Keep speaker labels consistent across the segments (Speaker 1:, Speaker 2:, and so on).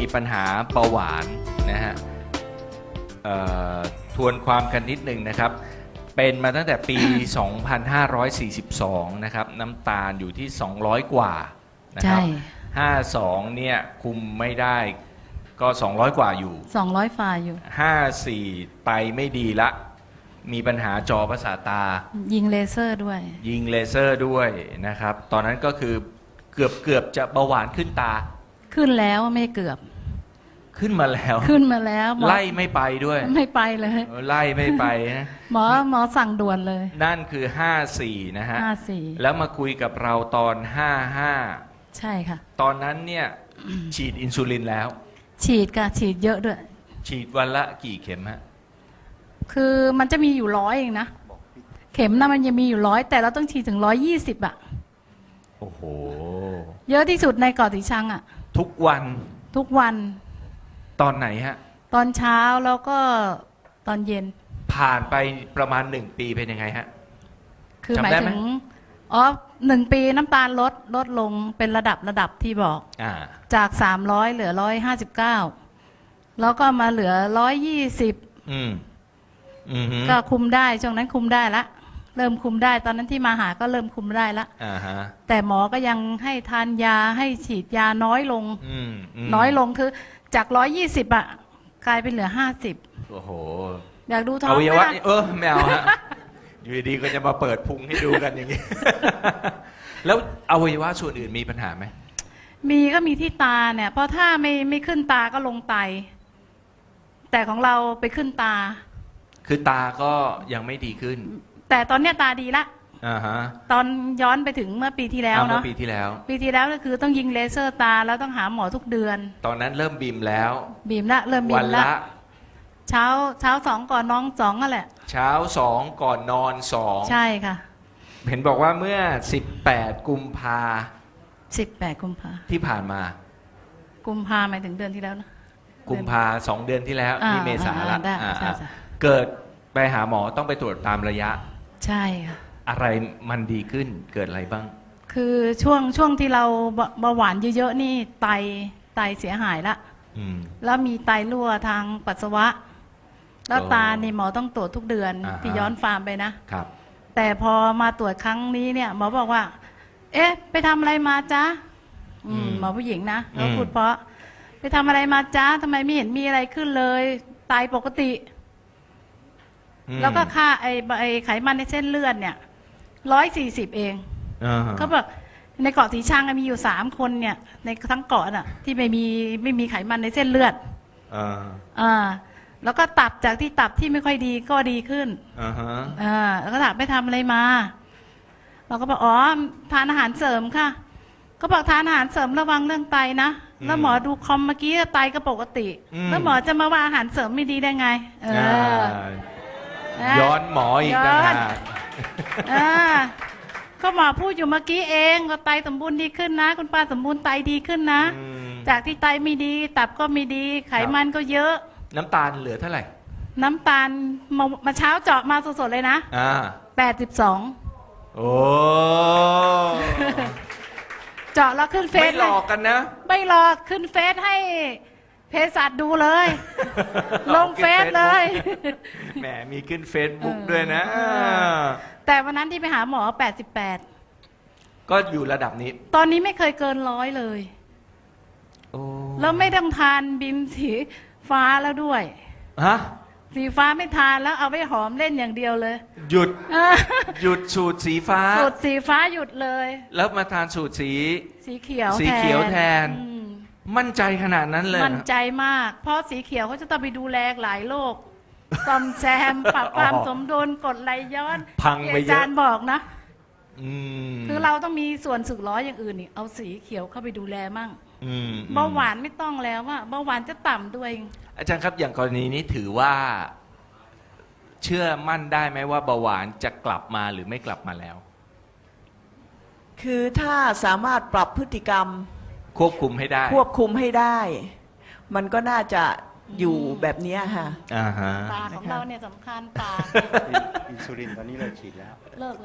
Speaker 1: ปัญหาเบาหวานนะฮะทวนความกันนิดหนึ่งนะครับเป็นมาตั้งแต่ปี 2542 นะครับน้ำตาลอยู่ที่ 200 กว่านะครับ52เนี่ยคุมไม่ได้ก็200 กว่าอยู่
Speaker 2: 200ฝ่าอยู่
Speaker 1: 54ไตไม่ดีละมีปัญหาจอประสาทตา
Speaker 2: ยิงเลเซอร์ด้วย
Speaker 1: นะครับตอนนั้นก็คือเกือบจะเบาหวานขึ้นตา
Speaker 2: ขึ้นแล้วไม่เกือบ
Speaker 1: ขึ้นมาแล้วไล่ไม่ไปด้วย
Speaker 2: ไม่ไปเลย
Speaker 1: ไล่ไม่ไปนะ
Speaker 2: หมอสั่งด่วนเลย
Speaker 1: นั่นคือ54นะฮะ
Speaker 2: 54
Speaker 1: แล้วมาคุยกับเราตอน55
Speaker 2: ใช่ค่ะ
Speaker 1: ตอนนั้นเนี่ยฉีดอินซูลินแล้ว
Speaker 2: ฉีดเยอะด้วย
Speaker 1: ฉีดวันละกี่เข็มฮะ
Speaker 2: คือมันจะมีอยู่100เองนะเข็มนะมันยังมีอยู่100แต่เราต้องฉีดถึง120อ่ะ
Speaker 1: โอ้โห
Speaker 2: เยอะที่สุดในเกาะสีชังอ่ะ
Speaker 1: ทุกวันตอนไหนฮะ
Speaker 2: ตอนเช้าแล้วก็ตอนเย็น
Speaker 1: ผ่านไปประมาณ1 ปีเป็นยังไงฮะ
Speaker 2: คือหมายถึง1 ปีน้ำตาลลดลงเป็นระดับที่บอกจาก300เหลือ159แล้วก็มาเหลือ120ก็คุมได้ช่วงนั้นคุมได้ละเริ่มคุมได้ตอนนั้นที่มาหาก็เริ่มคุมได้ละแต่หมอก็ยังให้ทานยาให้ฉีดยาน้อยลงคือจาก120อ่ะกลายเป็นเหลือ50
Speaker 1: โอ้โห
Speaker 2: อยากดูท้อง
Speaker 1: อวัยวะไม่เอาฮะอยู่ดีก็จะมาเปิดพุงให้ดูกันอย่างนี้แล้วอวัยวะส่วนอื่นมีปัญหาไหม
Speaker 2: มีก็มีที่ตาเนี่ยเพราะถ้าไม่ขึ้นตาก็ลงไตแต่ของเราไปขึ้นตา
Speaker 1: คือตาก็ยังไม่ดีขึ้น
Speaker 2: แต่ตอนเนี้ยตาดีละตอนย้อนไปถึงเมื่อปีที่แล้วเนาะปีที่แล้วก็คือต้องยิงเลเซอร์ตาแล้วต้องหาหมอทุกเดือน
Speaker 1: ตอนนั้นเริ่มบีมแล้ว
Speaker 2: เริ่มบีมละเช้า2ก่อนนอน2นั่นแหละ
Speaker 1: เช้า2ก่อนนอน2
Speaker 2: ใช่ค่ะ
Speaker 1: เห็นบอกว่าเมื่อ18 กุมภาที่ผ่านมา
Speaker 2: กุมภาหมายถึงเดือนที่แล้วนะ
Speaker 1: กุมภา2 เดือนที่แล้วนี่เมษาละเกิดไปหาหมอต้องไปตรวจตามระยะ
Speaker 2: ใช่ค่ะ
Speaker 1: อะไรมันดีขึ้นเกิดอะไรบ้าง
Speaker 2: คือช่วงที่เราเบาหวานเยอะๆนี่ไตเสียหายละแล้วมีไตรั่วทางปัสสาวะแล้วตานี่หมอต้องตรวจทุกเดือนที่ย้อนฟาร์มไปนะครับแต่พอมาตรวจครั้งนี้เนี่ยหมอบอกว่าเอ๊ะไปทำอะไรมาจ๊ะหมอผู้หญิงนะเขาพูดเพราะไปทำอะไรมาจ๊ะทำไมไม่เห็นมีอะไรขึ้นเลยไตปกติแล้วก็ค่าไอไขมันในเส้นเลือดเนี่ย140เองเขาบอกในเกาะสีชังมีอยู่3 คนเนี่ยในทั้งเกาะน่ะที่ไม่มีไขมันในเส้นเลือดแล้วก็ตับจากที่ตับที่ไม่ค่อยดีก็ดีขึ้นแล้วก็ถามไปทำอะไรมาเราก็บอกทานอาหารเสริมค่ะก็บอกทานอาหารเสริมระวังเรื่องไตนะแล้วหมอดูคอมเมื่อกี้ไตก็ปกติแล้วหมอจะมาว่าอาหารเสริมไม่ดีได้ไง
Speaker 1: ย้อนหมออีกนะ
Speaker 2: ก็หมอพูดอยู่เมื่อกี้เองก็ไตสมบูรณ์ดีขึ้นนะคุณป้าสมบูรณ์ไตดีขึ้นนะจากที่ไตไม่ดีตับก็ไม่ดีไขมันก็เยอะ
Speaker 1: น้ำตาลเหลือเท่าไหร่
Speaker 2: น้ำตาลมาเช้าเจาะมาสดๆเลยนะ82
Speaker 1: โอ้
Speaker 2: เจาะแล้วขึ้นเฟซ
Speaker 1: ไม่หลอกกันนะ
Speaker 2: ไม่หลอกขึ้นเฟซให้เภสัชดูเลยลงเฟซเลย
Speaker 1: แหมมีขึ้นเฟซบุ๊กด้วยนะ
Speaker 2: แต่วันนั้นที่ไปหาหมอ88
Speaker 1: ก็อยู่ระดับนี้
Speaker 2: ตอนนี้ไม่เคยเกิน100เลยแล้วไม่ต้องทานบิมสีฟ้าแล้วด้วยสีฟ้าไม่ทานแล้วเอาไว้หอมเล่นอย่างเดียวเลย
Speaker 1: หยุดสูตรสีฟ้า
Speaker 2: หยุดเลย
Speaker 1: แล้วมาทานสูตรสี
Speaker 2: เขียว
Speaker 1: แทนมั่นใจขนาดนั้นเลย
Speaker 2: มั่นใจมากเพราะสีเขียวเขาจะต้องไปดูแลหลายโรคซ่อมแซมปรับความสมดุลกดไหลย้อน
Speaker 1: พังไปเยอะอา
Speaker 2: จารย์บอกนะคือเราต้องมีส่วนสึกล้ออย่างอื่นนี่เอาสีเขียวเข้าไปดูแลมั่งเบาหวานไม่ต้องแล้วว่าเบาหวานจะต่ำด้วย
Speaker 1: อาจารย์ครับอย่างกรณีนี้ถือว่าเชื่อมั่นได้ไหมว่าเบาหวานจะกลับมาหรือไม่กลับมาแล้ว
Speaker 3: คือถ้าสามารถปรับพฤติกรรม
Speaker 1: ควบคุมให้
Speaker 3: ได้มันก็น่าจะอยู่แบบนี้ค่ะ
Speaker 2: ตาของเราเนี่ยสำคัญตา
Speaker 4: อินซูลินตอนนี้เราฉีดแล้ว
Speaker 2: เลิกแล้ว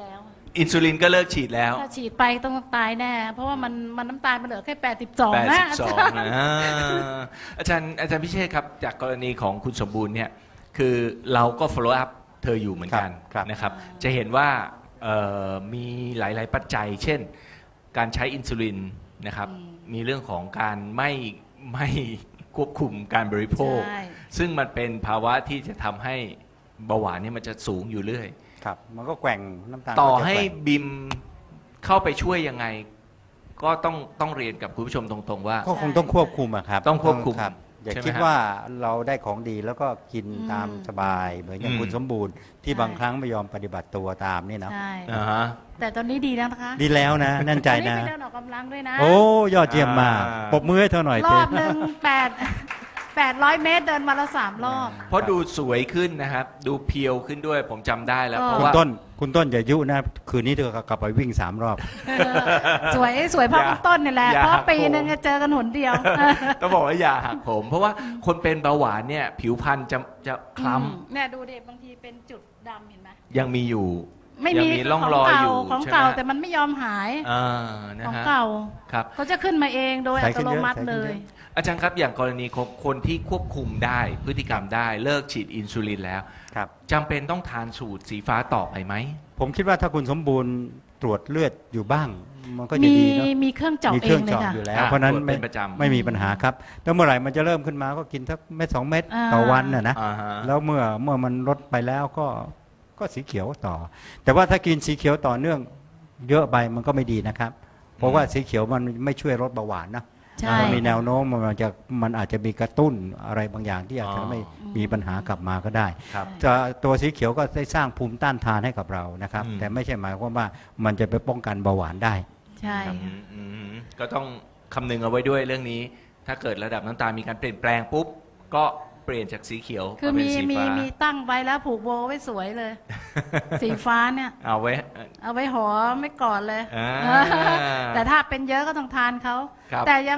Speaker 1: อินซูลินก็เลิกฉีดแล้ว
Speaker 2: ถ้าฉีดไปต้องตายแน่เพราะว่ามันน้ำตาลมันเหลือแค่82นะ
Speaker 1: 82นะอาจารย์พิเชษครับจากกรณีของคุณสมบูรณ์เนี่ยคือเราก็ follow up เธออยู่เหมือนกันนะครับจะเห็นว่ามีหลายๆปัจจัยเช่นการใช้อินซูลินนะครับมีเรื่องของการไม่ควบคุมการบริโภคซึ่งมันเป็นภาวะที่จะทำให้เบาหวานเนี่ยมันจะสูงอยู่เรื่อย
Speaker 4: ครับมันก็แกว่งน้ำตาล
Speaker 1: ต่อให้บิมเข้าไปช่วยยังไงก็ต้องเรียนกับคุณผู้ชมตรงๆว่า
Speaker 4: ก็คงต้องควบคุมอะครับ
Speaker 1: ต้องควบคุม
Speaker 4: อย่าคิดว่าเราได้ของดีแล้วก็กินตามสบายเหมือนอย่างคุณสมบูรณ์ที่บางครั้งไม่ยอมปฏิบัติตัวตามนี่นะ
Speaker 2: แต่ตอนนี้ดีแล้วนะคะ
Speaker 4: ดีแล้วนะแน่นใจนะ
Speaker 2: ไปเดินออกกำลังด้วยนะ
Speaker 4: โอ้ยอดเยี่ยมมากปรบมือให้เธอหน่อย
Speaker 2: รอบหนึ่ง800 เมตรเดินมาละ3 รอบ
Speaker 1: เพราะดูสวยขึ้นนะครับดูเพียวขึ้นด้วยผมจำได้แล้วเพราะว่า
Speaker 4: คุณต้นอย่ายุนะคืนนี้เธอกลับไปวิ่ง3 รอบ
Speaker 2: สวยเพราะคุณต้นนี่แหละเพราะปีนึงจะเจอกันหนเดียว
Speaker 1: ต้องบอกว่าอย่าหักผมเพราะว่าคนเป็นเบาหวานเนี่ยผิวพรรณจะคล้ำ
Speaker 2: เนี่ยดูเด็บางทีเป็นจุดดำเห็นไหม
Speaker 1: ยังมีอยู่
Speaker 2: ไม่มี
Speaker 1: ร่องรอยอยู่
Speaker 2: ของเก่าแต่มันไม่ยอมหายของเก่าเขาจะขึ้นมาเองโดยอัตโนมัติเลย
Speaker 1: อาจารย์ครับอย่างกรณีของคนที่ควบคุมได้พฤติกรรมได้เลิกฉีดอินซูลินแล้วจำเป็นต้องทานสูตรสีฟ้าต่อไปไหม
Speaker 4: ผมคิดว่าถ้าคุณสมบูรณ์ตรวจเลือดอยู่บ้างมันก็จะดีเนาะ
Speaker 2: มีเครื่องเจาะเองเลยค่ะ
Speaker 4: อยู่แล้วเพราะนั้นไม่มีปัญหาครับแล้วเมื่อไหร่มันจะเริ่มขึ้นมาก็กินสักเม็ด2 เม็ดต่อวันนะแล้วเมื่อมันลดไปแล้วก็สีเขียวต่อแต่ว่าถ้ากินสีเขียวต่อเนื่องเยอะไปมันก็ไม่ดีนะครับเพราะว่าสีเขียวมันไม่ช่วยลดเบาหวานนะมันมีแนวโน้มมันอาจจะมีกระตุ้นอะไรบางอย่างที่อาจจะไม่มีปัญหากลับมาก็ได้ตัวสีเขียวก็ได้สร้างภูมิต้านทานให้กับเรานะครับแต่ไม่ใช่หมายความว่ามันจะไปป้องกันเบาหวานได้
Speaker 2: ใช่
Speaker 1: ก็ต้องคำนึงเอาไว้ด้วยเรื่องนี้ถ้าเกิดระดับน้ำตาลมีการเปลี่ยนแปลงปุ๊บก็เปลี่ยนจากสีเขียว
Speaker 2: คือมีตั้งไว้แล้วผูกโบไว้สวยเลยสีฟ้าเนี่ย
Speaker 1: เอาไ
Speaker 2: ว้หอมไม่ก่อนเลยแต่ถ้าเป็นเยอะก็ต้องทานเขาแต่ยัง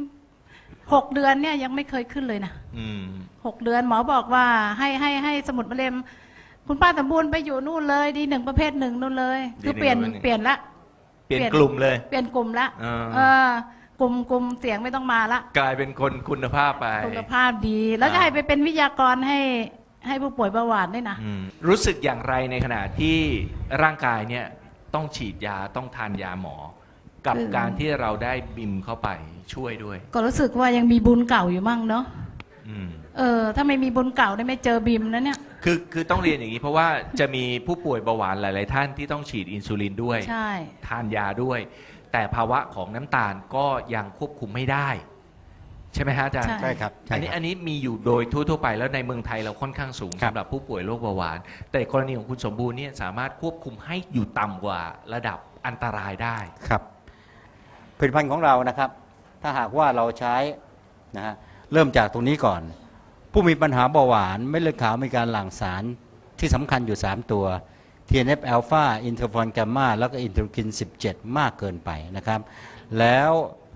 Speaker 2: 6 เดือนเนี่ยยังไม่เคยขึ้นเลยนะ6 เดือนหมอบอกว่าให้สมุดมะเร็งคุณป้าสมบูรณ์ไปอยู่นู่นเลยดี1 ประเภท 1นู่นเลยคือเปลี่ยนละ
Speaker 1: เปลี่ยนกลุ่มเลย
Speaker 2: เปลี่ยนกลุ่มละกลุ่มเสียงไม่ต้องมาละ
Speaker 1: กลายเป็นคนคุณภาพไป
Speaker 2: คุณภาพดีแล้วจะให้ไปเป็นวิทยากรให้ผู้ป่วยเบาหวานด้วยนะ
Speaker 1: รู้สึกอย่างไรในขณะที่ร่างกายเนี่ยต้องฉีดยาต้องทานยาหมอกับการที่เราได้บิมเข้าไปช่วยด้วย
Speaker 2: ก็รู้สึกว่ายังมีบุญเก่าอยู่มั่งเนาะถ้าไม่มีบุญเก่าได้ไม่เจอบิมนะเนี่ย
Speaker 1: คือต้องเรียนอย่างนี้เพราะว่าจะมีผู้ป่วยเบาหวานหลายๆท่านที่ต้องฉีดอินซูลินด้วยทานยาด้วยแต่ภาวะของน้ำตาลก็ยังควบคุมไม่ได้ใช่ไหมฮะอาจารย์
Speaker 4: ใช่ครับ
Speaker 1: อันนี้มีอยู่โดยทั่วๆไปแล้วในเมืองไทยเราค่อนข้างสูงสำหรับผู้ป่วยโรคเบาหวานแต่กรณีของคุณสมบูรณ์เนี่ยสามารถควบคุมให้อยู่ต่ำกว่าระดับอันตรายได้
Speaker 4: ครับผลิตภัณฑ์ของเรานะครับถ้าหากว่าเราใช้นะฮะเริ่มจากตรงนี้ก่อนผู้มีปัญหาเบาหวานเม็ดเลือดขาวมีการหลั่งสารที่สำคัญอยู่3 ตัวTNF อ l p h a อินเทอร์ฟอนแกมมาแล้วก็อินเทอร์คิน17มากเกินไปนะครับแล้ว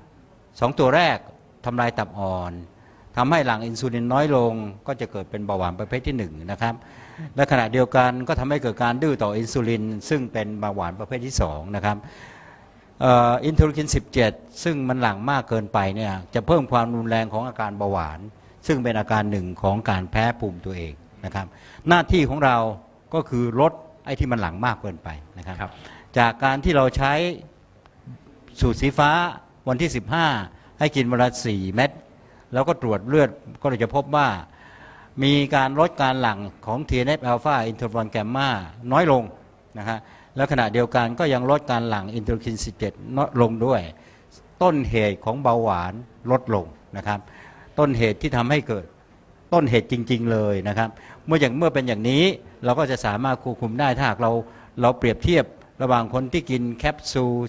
Speaker 4: 2 ตัวแรกทำลายตับอ่อนทำให้หลั่งอินซูลินน้อยลงก็จะเกิดเป็นเบาหวานประเภทที่1นะครับและขณะเดียวกันก็ทำให้เกิดการดื้อต่ออินซูลินซึ่งเป็นเบาหวานประเภทที่2นะครับอินเทอร์คิน17ซึ่งมันหลั่งมากเกินไปเนี่ยจะเพิ่มความรุนแรงของอาการเบาหวานซึ่งเป็นอาการหนึ่งของการแพ้ภูมิตัวเองนะครับหน้าที่ของเราก็คือลดไอ้ที่มันหลังมากเกินไปนะครับจากการที่เราใช้สูตรสีฟ้าวันที่15ให้กินวันละ4 เม็ดแล้วก็ตรวจเลือดก็จะพบว่ามีการลดการหลั่งของ TNF อ l p h a อินเทอร์ฟอนแกมมาน้อยลงนะครับแล้วขณะเดียวกันก็ยังลดการหลั่งอินเทอร์คิน17น้อยลงด้วยต้นเหตุของเบาหวานลดลงนะครับต้นเหตุที่ทำให้เกิดต้นเหตุจริงๆเลยนะครับเมื่อเป็นอย่างนี้เราก็จะสามารถควบคุมได้ถ้าหากเราเปรียบเทียบระหว่างคนที่กินแคปซูล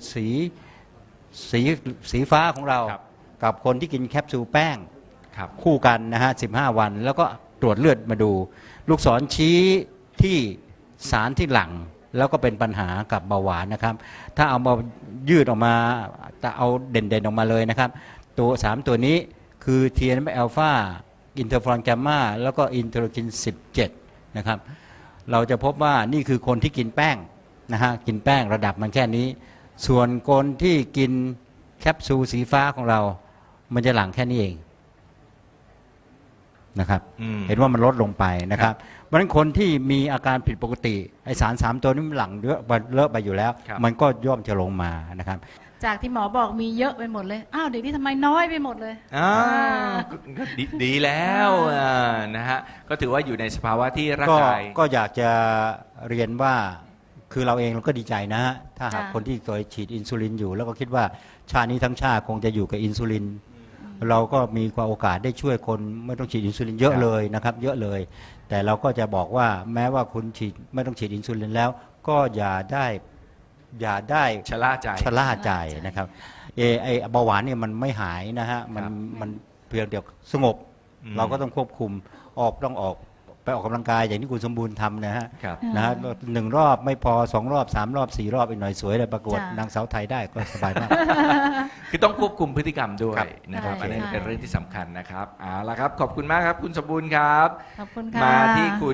Speaker 4: สีฟ้าของเรากับคนที่กินแคปซูลแป้งคู่กันนะฮะ15 วันแล้วก็ตรวจเลือดมาดูลูกศรชี้ที่สารที่หลั่งแล้วก็เป็นปัญหากับเบาหวานนะครับถ้าเอามายืดออกมาแต่เอาเด่นๆออกมาเลยนะครับตัว3 ตัวนี้คือ TNF อ l p h a อินเทอร์ฟอนแกมมาแล้วก็อินเทอร์คิน17นะครับเราจะพบว่านี่คือคนที่กินแป้งนะฮะกินแป้งระดับมันแค่นี้ ส่วนคนที่กินแคปซูลสีฟ้าของเรามันจะหลั่งแค่นี้เองนะครับเห็นว่ามันลดลงไปนะครับเพราะฉะนั้นคนที่มีอาการผิดปกติไอสาร3ตัวนี้มันหลั่งเยอะไปอยู่แล้วมันก็ย่อมจะลงมานะครับ
Speaker 2: จากที่หมอบอกมีเยอะไปหมดเลยอ้าวเดี๋ยวนี้ทำไมน้อยไปหมดเลย
Speaker 1: ก็ดีแล้วนะฮะก็ถือว่าอยู่ในสภาวะที่ร่างกาย
Speaker 4: ก็อยากจะเรียนว่าคือเราเองเราก็ดีใจนะฮะถ้าหากคนที่เคยฉีดอินซูลินอยู่แล้วก็คิดว่าชาตินี้ทั้งชาติคงจะอยู่กับอินซูลินเราก็มีความโอกาสได้ช่วยคนไม่ต้องฉีดอินซูลินเยอะเลยนะครับเยอะเลยแต่เราก็จะบอกว่าแม้ว่าคุณฉีดไม่ต้องฉีดอินซูลินแล้วก็อย่าได้
Speaker 1: ชะล่าใจ
Speaker 4: นะครับไอเบาหวานเนี่ยมันไม่หายนะฮะมันเพียงเดียวสงบเราก็ต้องควบคุมต้องออกไปออกกำลังกายอย่างที่คุณสมบูรณ์ทำนะฮะ1 รอบไม่พอ2 รอบ3 รอบ4 รอบอีกหน่อยสวยเลยประกวดนางสาวไทยได้ก็สบายมาก
Speaker 1: คือต้องควบคุมพฤติกรรมด้วยนะครับอันนี้เป็นเรื่องที่สำคัญนะครับเอาละครับขอบคุณมากครับคุณสมบูรณ์ครับ
Speaker 2: ขอบคุณค่ะ
Speaker 1: มาที่คุณ